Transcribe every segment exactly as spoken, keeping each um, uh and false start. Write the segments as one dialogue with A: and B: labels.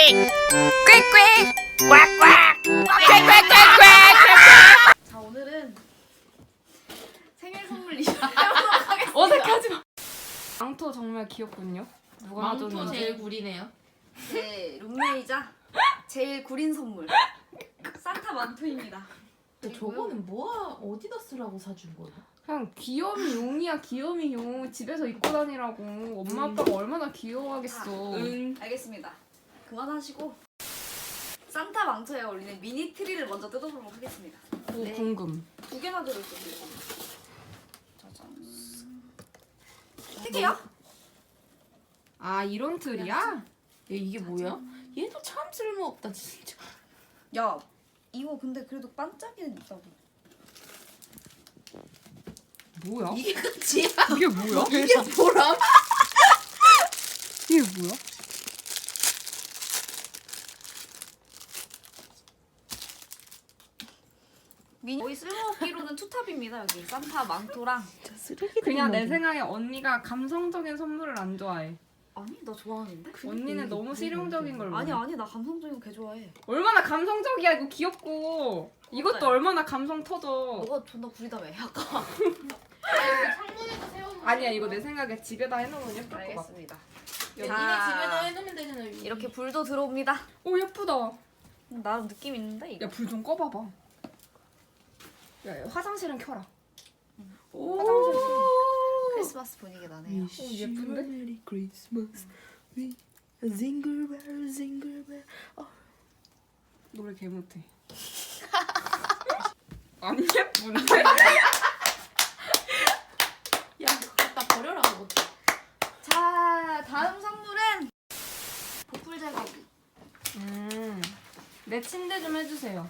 A: 꽥꽥 꽉꽉 꽥꽥꽥꽥.
B: 자, 오늘은 생일 선물 리뷰해보도록 하겠습니다.
C: 어색하지 마. 망토 정말 귀엽군요. 누가
D: 망토
C: 놔줬는지.
D: 제일 구리네요.
B: 제 룸메이자 제일 구린 선물 산타 망토입니다.
D: 근데 저거는 뭐야? 어디다 쓰라고 사준 거야?
C: 그냥 귀염이 용이야, 귀염이 용. 집에서 입고 다니라고. 엄마 아빠가 얼마나 귀여워하겠어.
D: 응.
B: 알겠습니다. 그만하시고 산타 망토에 어울리는 미니 트리를 먼저 뜯어보도록 하겠습니다.
C: 오,
B: 네.
C: 궁금.
B: 두 개나 들어있어요. 짜잔. 세 개야?
C: 아, 이런 틀이야?
D: 야, 이게 뭐야? 얘도 참 쓸모없다 진짜.
B: 야, 이거 근데 그래도 반짝이는 있다고.
C: 뭐야?
D: 이게 끝이야?
C: 이게 뭐야?
D: 이게 뭐람?
C: 이게 뭐야?
B: 미니 거의 쓸모없기로는 투탑입니다. 여기 산타 망토랑.
D: 진짜 쓰레기.
C: 그냥 내 생각에 언니가 감성적인 선물을 안 좋아해.
B: 아니, 나 좋아하는데?
C: 언니는 너무 실용적인 걸
B: 아니
C: 원해.
B: 아니, 나 감성적인 거 개 좋아해.
C: 얼마나 감성적이야. 이거 귀엽고. 이것도
B: 맞아요.
C: 얼마나 감성 터져.
B: 너가 존나 구리다며. 아까.
D: 창문에다 세워놓은.
C: 아니야, 이거 내 생각에 집에다 해놓으면 예쁠 것 같아.
B: 알겠습니다.
D: 니네
B: 자,
D: 집에다 해놓으면 되잖아.
B: 이렇게 불도 들어옵니다.
C: 오, 예쁘다.
B: 나름 느낌 있는데 이거.
C: 야, 불 좀 꺼봐봐. 야, 야, 화장실은 켜라.
D: 오.
C: 화장실.
B: 크리스마스 분위기 나네요.
C: 오, 예쁜데?
D: 메리 크리스마스. 위 징글벨 징글벨.
C: 노래 개 못해. 안 예쁜데?
D: 야, 그거 갖다 버려라 그거.
B: 자, 다음 선물은 보풀 제거기.
C: 음, 내 침대 좀 해주세요.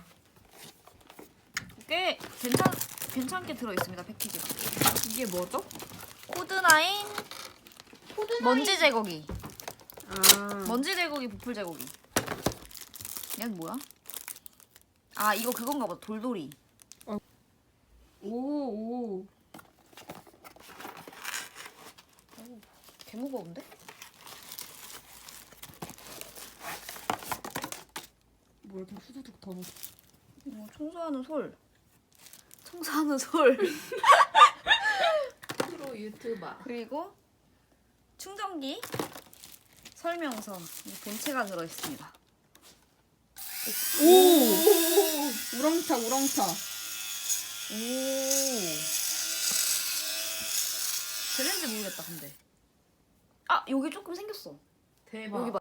B: 꽤 괜찮 괜찮게 들어 있습니다. 패키지가.
C: 이게 뭐죠?
B: 코드나인 먼지 제거기.
C: 아,
B: 먼지 제거기, 보풀 제거기. 얘는 뭐야? 아, 이거 그건가 봐. 돌돌이.
C: 오, 오.
B: 개 무거운데?
C: 뭐 이렇게 후두둑 더 넣어.
B: 어, 청소하는 솔. 청소하는 솔.
D: 프로 유튜버.
B: 그리고 충전기, 설명서, 이 본체가 들어 있습니다.
C: 오! 우렁차, 우렁차.
B: 오. 되는지 모르겠다, 근데. 아, 여기 조금 생겼어.
D: 대박.
B: 여기 봐.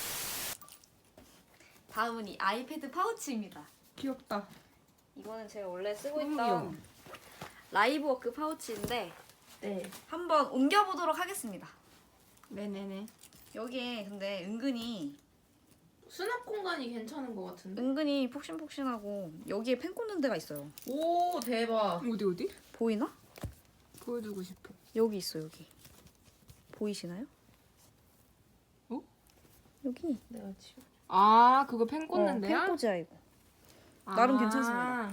B: 다음은 이 아이패드 파우치입니다.
C: 귀엽다.
B: 이거는 제가 원래 쓰고
C: 너무
B: 있던
C: 귀여워.
B: 라이브워크 파우치인데
D: 네.
B: 한번 옮겨보도록 하겠습니다.
C: 네네네.
B: 여기에 근데 은근히
D: 수납 공간이 괜찮은 것 같은데.
B: 은근히 폭신폭신하고 여기에 펜 꽂는 데가 있어요.
D: 오, 대박.
C: 어디, 어디?
B: 보이나?
C: 보여주고 싶어.
B: 여기 있어, 여기. 보이시나요?
C: 어?
B: 여기.
D: 내가 지워.
C: 아, 그거 펜
B: 어,
C: 꽂는데요?
B: 펜 꽂이야, 이거. 나름 괜찮습니다.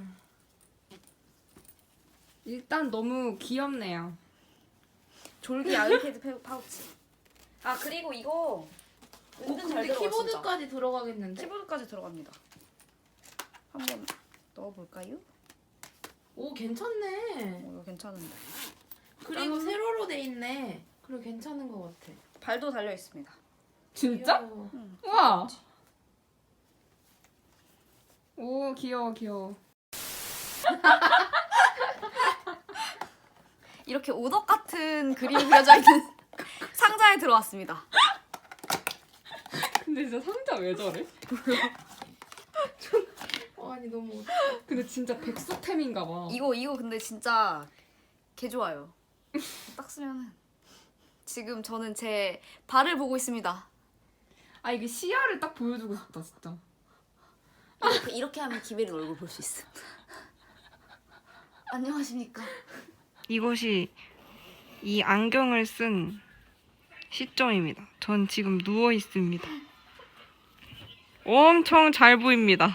C: 일단 너무 귀엽네요.
B: 졸기 아이패드 페- 파우치. 아, 그리고 이거
D: 오,
B: 은근 잘
D: 근데
B: 들어가, 진짜.
D: 키보드까지 들어가겠는데?
B: 키보드까지 들어갑니다. 한번 넣어볼까요?
D: 오, 괜찮네.
B: 어, 이거 괜찮은데.
D: 그리고
B: 짠.
D: 세로로 돼 있네. 그리고 괜찮은 것 같아.
B: 발도 달려 있습니다.
C: 진짜?
D: 귀여워.
B: 응.
C: 우와! 오, 귀여워, 귀여워.
B: 이렇게 오덕 같은 그림이 그려져 있는 상자에 들어왔습니다.
C: 근데 진짜 상자 왜 저래?
D: 어, 아니 너무.
C: 근데 진짜 백수템인가 봐.
B: 이거 이거 근데 진짜 개 좋아요. 딱 쓰면은 지금 저는 제 발을 보고 있습니다.
C: 아, 이게 시야를 딱 보여주고 싶다, 진짜.
B: 이렇게 이렇게 하면 기베린 얼굴 볼 수 있어. 안녕하십니까?
E: 이것이 이 안경을 쓴 시점입니다. 전 지금 누워 있습니다. 엄청 잘 보입니다.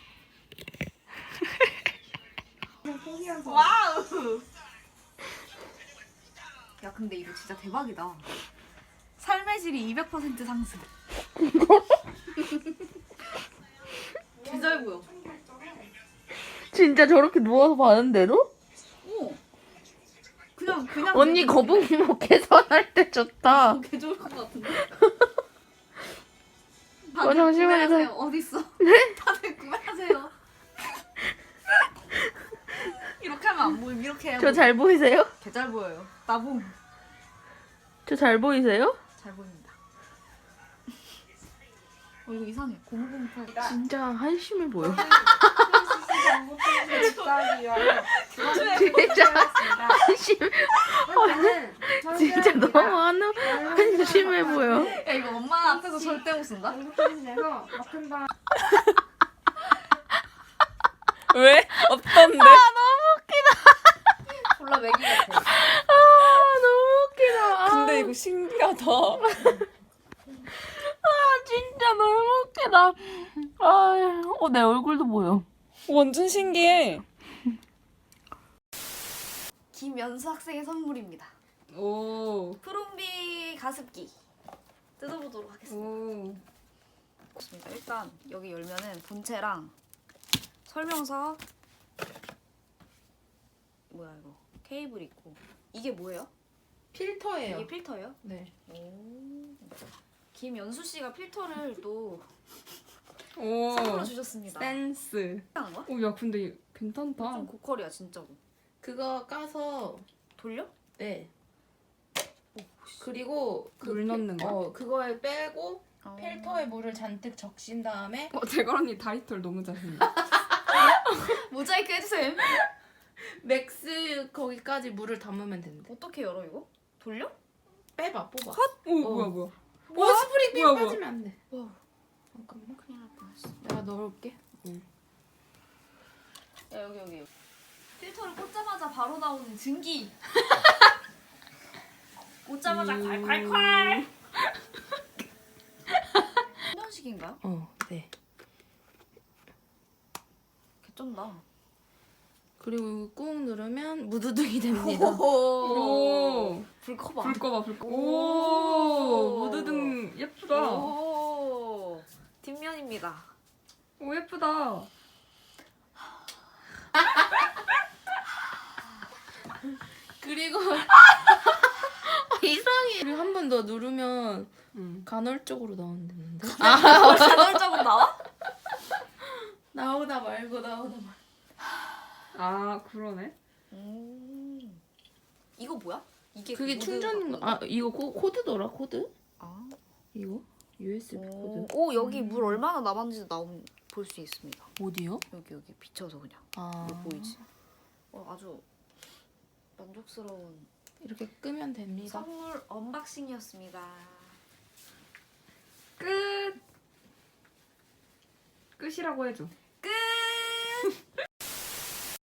B: 와우. 야, 근데 이거 진짜 대박이다. 삶의 질이 이백 퍼센트 상승.
D: 진짜 저렇게 누워서 봐는데도?
B: 오. 그냥 그냥.
D: 언니 거북이목 개선할 때 좋다.
B: 개 좋을 것 같은데.
D: 어, 잠시만요.
B: 구매하세요. 어디 있어? 네? 다들 구매하세요. 이렇게 하면 안 보임. 이렇게 해야
D: 저 잘 보이세요?
B: 개잘 보여요. 나봉.
D: 저 잘 보이세요?
B: 잘 보입니다. 어 이거 이상해. 공공팔.
D: 진짜 한심해 보여.
C: 진짜
D: 진짜 한심해. 진짜 너무 한, 한심해 보여.
B: 야 이거 엄마 앞에서 절대 못 쓴다.
C: 내서 막힌 다
E: 왜? 없던데?
B: 졸라 매기 같아.
D: 아 너무 웃기다. 아,
E: 근데 이거 신기하다.
D: 아, 진짜 너무 웃기다. 아, 어, 내 얼굴도 보여.
E: 완전 신기해.
B: 김연수 학생의 선물입니다.
C: 오.
B: 프롬비 가습기 뜯어보도록 하겠습니다.
C: 오.
B: 좋습니다. 일단 여기 열면은 본체랑 설명서 뭐야 이거 케이블 있고 이게 뭐예요?
D: 필터예요.
B: 이게 필터예요?
D: 네.
B: 오. 김연수 씨가 필터를 또
C: 오.
B: 선물로 주셨습니다.
C: 센스.
B: 하는 거야?
C: 오, 야, 근데 괜찮다.
B: 좀 고퀄이야 진짜로.
D: 그거 까서
B: 돌려?
D: 네. 그리고 그
C: 물 넣는 거?
D: 어, 그거에 빼고
B: 어.
D: 필터에 물을 잔뜩 적신 다음에
C: 어, 대걸 언니 다이털 너무 잘생겨.
B: 모자이크 해주세요.
D: 맥스 거기까지 물을 담으면 된대.
B: 어떻게 열어 이거? 돌려?
D: 빼봐, 뽑아.
C: 오, 뭐야, 뭐야.
D: 오, 스프링 핀
C: 뭐야, 뭐야.
D: 빠지면 안 돼.
B: 와
D: 잠깐만.
B: 큰일 날 뻔했어.
D: 내가 넣을게.
B: 야 여기 여기 여기. 필터를 꽂자마자 바로 나오는 증기. 꽂자마자 콸콸콸. 훈연식인가요?
D: 어, 네.
B: 개쩐다.
D: 그리고 꾹 누르면 무드등이 됩니다.
C: 오.
B: 불 커봐.
C: 불 꺼봐, 불 꺼.
B: 오.
C: 오. 무드등 예쁘다.
B: 오. 뒷면입니다.
C: 오, 예쁘다.
D: 그리고 이상해. 그리고 한 번 더 누르면
C: 응.
D: 간헐적으로 나온다는데?
B: 간헐적으로 나와?
D: 나오다 말고 나오다 말고.
C: 아, 그러네.
B: 음. 이거 뭐야? 이게
D: 그게
B: 모드
D: 충전
B: 바꾸는
D: 아 이거 코, 코드더라 코드?
B: 아.
D: 이거 유에스비
B: 오,
D: 코드.
B: 오 여기 물 얼마나 남았는지 나온 볼 수 있습니다.
D: 어디요?
B: 여기 여기 비춰서 그냥
D: 아
B: 이거 보이지? 어, 아주 만족스러운
D: 이렇게 끄면 됩니다.
B: 선물 언박싱이었습니다.
C: 끝. 끝이라고 해줘.
B: 끝.